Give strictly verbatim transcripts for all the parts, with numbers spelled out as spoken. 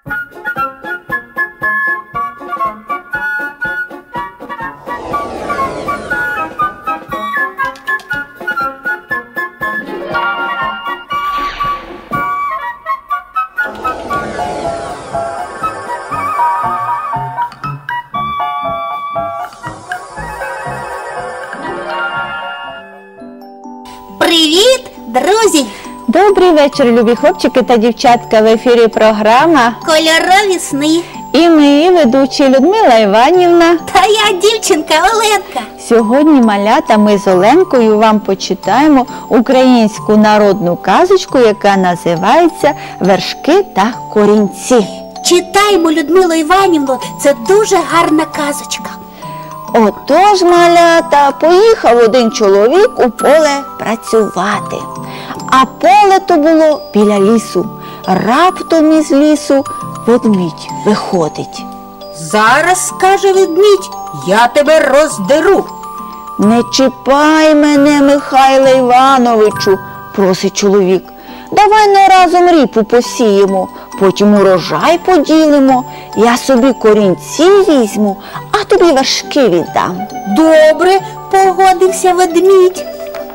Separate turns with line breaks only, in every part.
Привіт, друзі!
Добрий вечір, любі хлопчики та дівчатка. В ефірі програма
Кольорові сни.
І ми, ведучі Людмила Іванівна.
Та я дівчинка Оленка.
Сьогодні, малята, ми з Оленкою вам почитаємо українську народну казочку, яка називається «Вершки та корінці».
Читаймо, Людмило Іванівно, це дуже гарна казочка.
Отож, малята, поїхав один чоловік у поле працювати. А поле то було біля лісу. Раптом із лісу ведмідь виходить.
Зараз, скаже ведмідь, я тебе роздеру.
Не чіпай мене, Михайле Івановичу, просить чоловік. Давай на разом ріпу посіємо, потім урожай поділимо. Я собі корінці візьму, а тобі вершки віддам.
Добре, погодився ведмідь.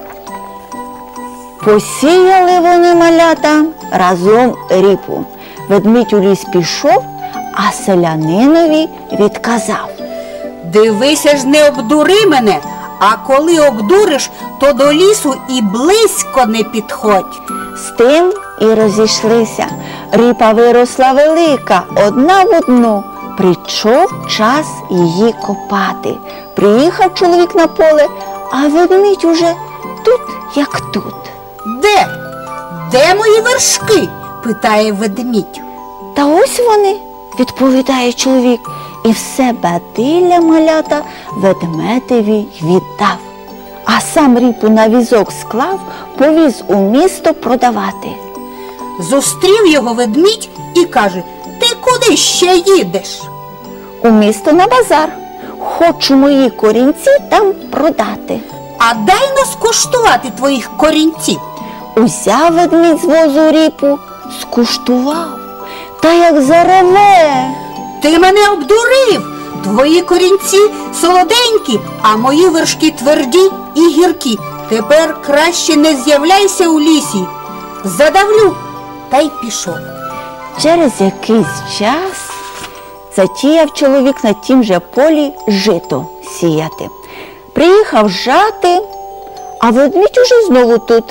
Посіяли вони, малята, разом ріпу. Ведмідь у ліс пішов, а селянинові відказав.
Дивися ж, не обдури мене, а коли обдуриш, то до лісу і близько не підходь.
З тим і розійшлися. Ріпа виросла велика, одна в одну. Прийшов час її копати. Приїхав чоловік на поле, а ведмідь уже тут, як тут.
Де? Де мої вершки? Питає ведмідь.
Та ось вони, відповідає чоловік, і все бадилля, малята, ведмедеві віддав. А сам ріпу на візок склав, повіз у місто продавати.
Зустрів його ведмідь і каже: ти куди ще їдеш?
У місто на базар. Хочу мої корінці там продати.
А дай нас скуштувати твоїх корінців.
Узяв ведмідь з возу ріпу, скуштував, та як зареве.
Ти мене обдурив. Твої корінці солоденькі, а мої вершки тверді і гіркі. Тепер краще не з'являйся у лісі. Задавлю. Та й пішов.
Через якийсь час затіяв чоловік на тім же полі жито сіяти. Приїхав жати, а ведмідь уже знову тут.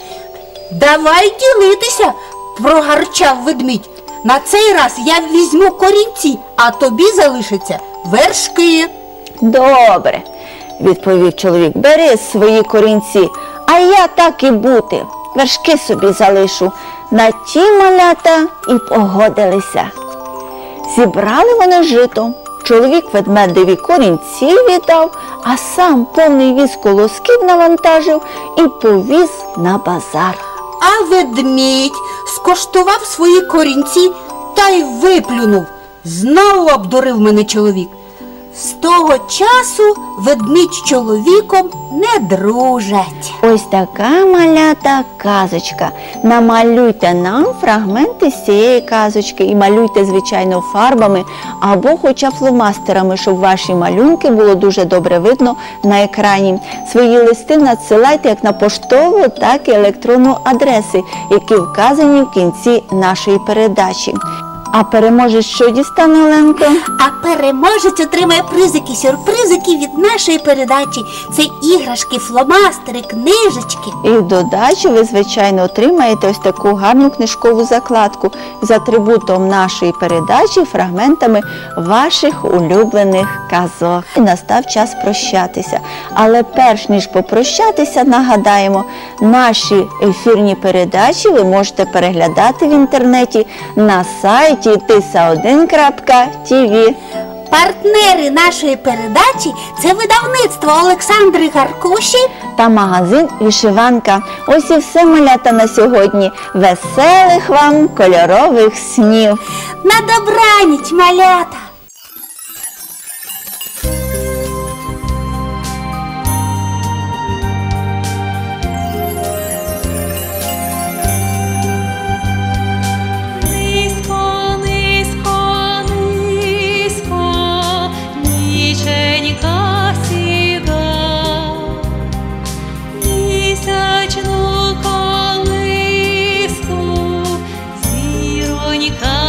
Давай ділитися, прогарчав ведмідь. На цей раз я візьму корінці, а тобі залишаться вершки.
Добре, відповів чоловік, бери свої корінці, а я так і бути, вершки собі залишу. На ті малята і погодилися. Зібрали вони жито. Чоловік ведмедеві корінці віддав, а сам повний віз колосків навантажив і повіз на базар.
А ведмідь скоштував свої корінці та й виплюнув. Знову обдурив мене чоловік. З того часу ведмідь з чоловіком не дружать.
Ось така, малята, казочка. Намалюйте нам фрагменти з цієї казочки і малюйте, звичайно, фарбами або хоча б фломастерами, щоб ваші малюнки було дуже добре видно на екрані. Свої листи надсилайте як на поштову, так і електронну адреси, які вказані в кінці нашої передачі. А переможець що дістане, Оленко?
А переможець отримає призики, сюрпризики від нашої передачі. Це іграшки, фломастери, книжечки.
І в додачу ви, звичайно, отримаєте ось таку гарну книжкову закладку з атрибутом нашої передачі, фрагментами ваших улюблених казок. І настав час прощатися. Але перш ніж попрощатися, нагадаємо, наші ефірні передачі ви можете переглядати в інтернеті на сайті тиса один крапка ті ві.
Партнери нашої передачі – це видавництво Олександри Гаркуші
та магазин «Вишиванка». Ось і все, малята, на сьогодні. Веселих вам кольорових снів!
На добраніч, малята!
Низько, низько червоні